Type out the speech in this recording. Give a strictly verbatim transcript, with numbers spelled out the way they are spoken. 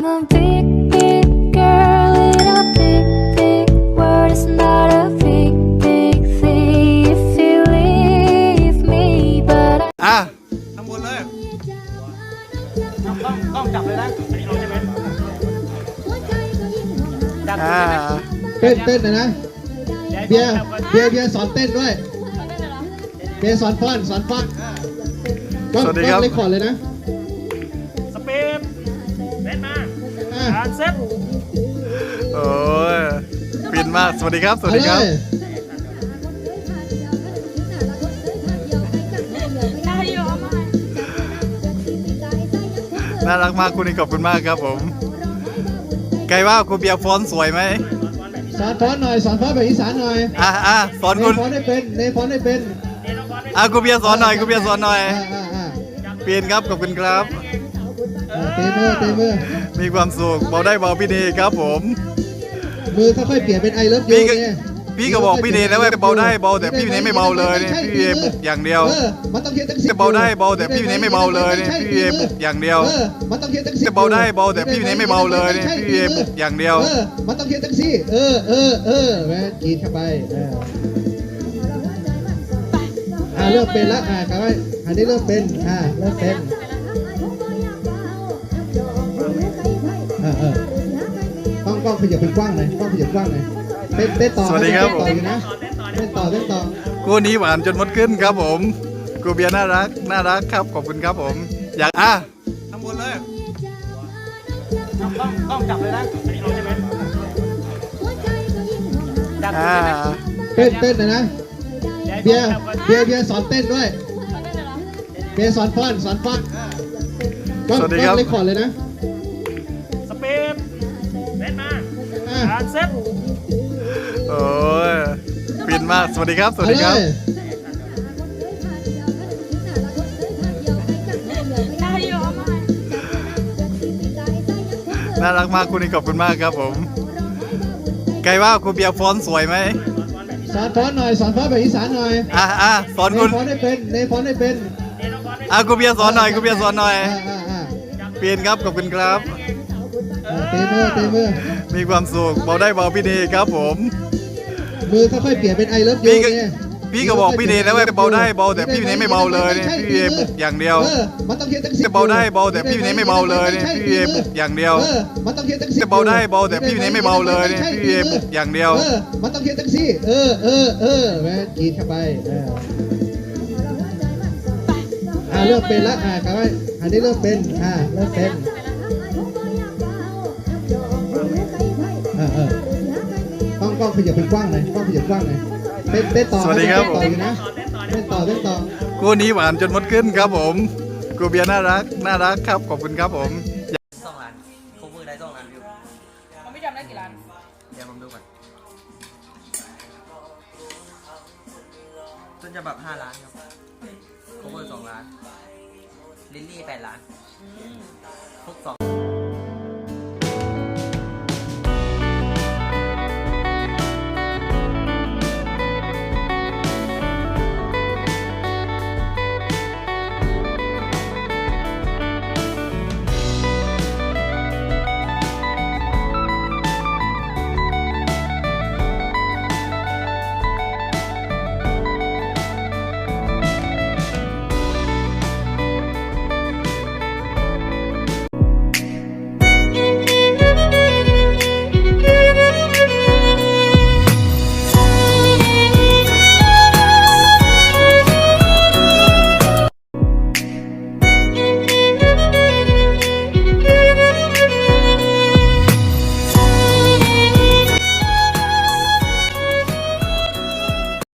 I'm a big, big girl in a big, big world. It's not a big, big thing if you leave me, but I อ่ะทำบนเลยต้องต้องจับเลยนะอันนี้เอาใช่ไหมจับอ่าเต้นเต้นนะนะเบียร์เบียร์เบียร์สอนเต้นด้วยเบียร์สอนฟ้อนสอนฟ้อนก็สวัสดีครับเลคคอร์ดเลยนะสปีดเล่นมาอ่ะการเซ็ตโอ้ยปินมากสวัสดีครับสวัสเอาดีเลครับยน่ารักมากคุณนี่ขอบคุณมากครับผมไกลว่าคุณเบียร์ฟอนต์สวยไหมสอนฟ้อนหน่อยสอนฟ้อนแบบอีสานหน่อยอ่ะอ่ะสอนเนคุณฟ้อนได้เป็นเนฟ้อนได้เป็นอ่ะคุณเบียร์สอนหน่อยคุณเบียร์สอนหน่อยอ่าอ่าอ่าเปลี่ยนครับขอบคุณครับอ่าเตะมือเตะมือมีความสุขเบาได้เบาพี่เดครับผมมือค่อยๆเปลี่ยนเป็นไอเลิฟยูพี่ก็เนี่ยพี่ก็บอกพี่เดแล้วว่าเบาได้เบาแต่พี่เนไม่เบาเลยนี่พี่เอบุกอย่างเดียวเออมันต้องเทียบตั้งสิบจะเบาได้เบาแต่พี่เนไม่เบาเลยนี่พี่เอบุกอย่างเดียวเออมันต้องเทียบตั้งสิบจะเบาได้เบาแต่พี่เนไม่เบาเลยนี่พี่เอบุกอย่างเดียวเออมันต้องเทียบตั้งสิเออเออเออแม่กรีดเข้าไปเอออ่าเริ่มเป็นละอ่ากลับไปอันนี้เริ่มเป็นอ่าเริ่มเป็นเออเออต้องกล้องขยับเป็นกว้างหน่อยกล้องขยับกว้างหน่อยเต้นเต้นต่อสวัสดีครับเต้นต่ออยู่นะเต้นต่อเต้นต่อคู่นี้หวานจนมดขึ้นครับผมกูเบียร์น่ารักน่ารักครับขอบคุณครับผม อยากอ่ะทำบนเลยต้องต้องจับเลยนะอันนี้เอาใช่ไหมจับอ่าเต้นเต้นนะนะเบียร์เบียร์เบียร์สอนเต้นด้วยเบียร์สอนฟ้อนสอนฟ้อนก็สวัสดีก็ครับเลคคอร์ดเลยนะสปีดเล่นมาอ่ะการเซ็ตโอ้ยปินมากสวัสดีครับสวัสเอาดีเลครับยน่ารักมากคุณนี่ขอบคุณมากครับผมไกลว่าคุณเบียร์ฟอนต์สวยไหมสอนฟ้อนหน่อยสอนฟ้อนแบบอีสานหน่อยอ่ะอ่ะสอนเนคุณฟ้อนได้เป็นเนฟ้อนได้เป็นอ่ะคุณเบียร์สอนหน่อยคุณเบียร์สอนหน่อยอ่าอ่าอ่าเปลี่ยนครับขอบคุณครับอ่าเตะมือเตะมือมีความสุขเบาได้เบาพี่เดครับผมมือค่อยๆเปลี่ยนเป็นไอเลิฟยูพี่ก็เนี่ยพี่ก็บอกพี่เดแล้วว่าเบาได้เบาแต่พี่เนไม่เบาเลยนี่พี่เอบุกอย่างเดียวเออมันต้องเทียบตั้งสิบจะเบาได้เบาแต่พี่เนไม่เบาเลยนี่พี่เอบุกอย่างเดียวเออมันต้องเทียบตั้งสิบจะเบาได้เบาแต่พี่เนไม่เบาเลยนี่พี่เอบุกอย่างเดียวเออมันต้องเทียบตั้งสิเออเออเออแม่กรีดเข้าไปเอออ่าเริ่มเป็นละอ่ากลับไปอันนี้เริ่มเป็นอ่าเริ่มเป็นเออเออต้องกล้องขยับเป็นกว้างหน่อยกล้องขยับกว้างหน่อยเต้นเต้นต่อสวัสดีครับเต้นต่ออยู่นะเต้นต่อเต้นต่อคู่นี้หวานจนมดขึ้นครับผมกูเบียร์น่ารักน่ารักครับขอบคุณครับผมสองล้านโคเวอร์ได้สองล้านวิวมันไม่จำได้กี่ล้านเดี๋ยวผมดูก่อนต้นฉบับห้าล้านครับโคเวอร์สองล้านลิลลี่แปดล้านพวกสอง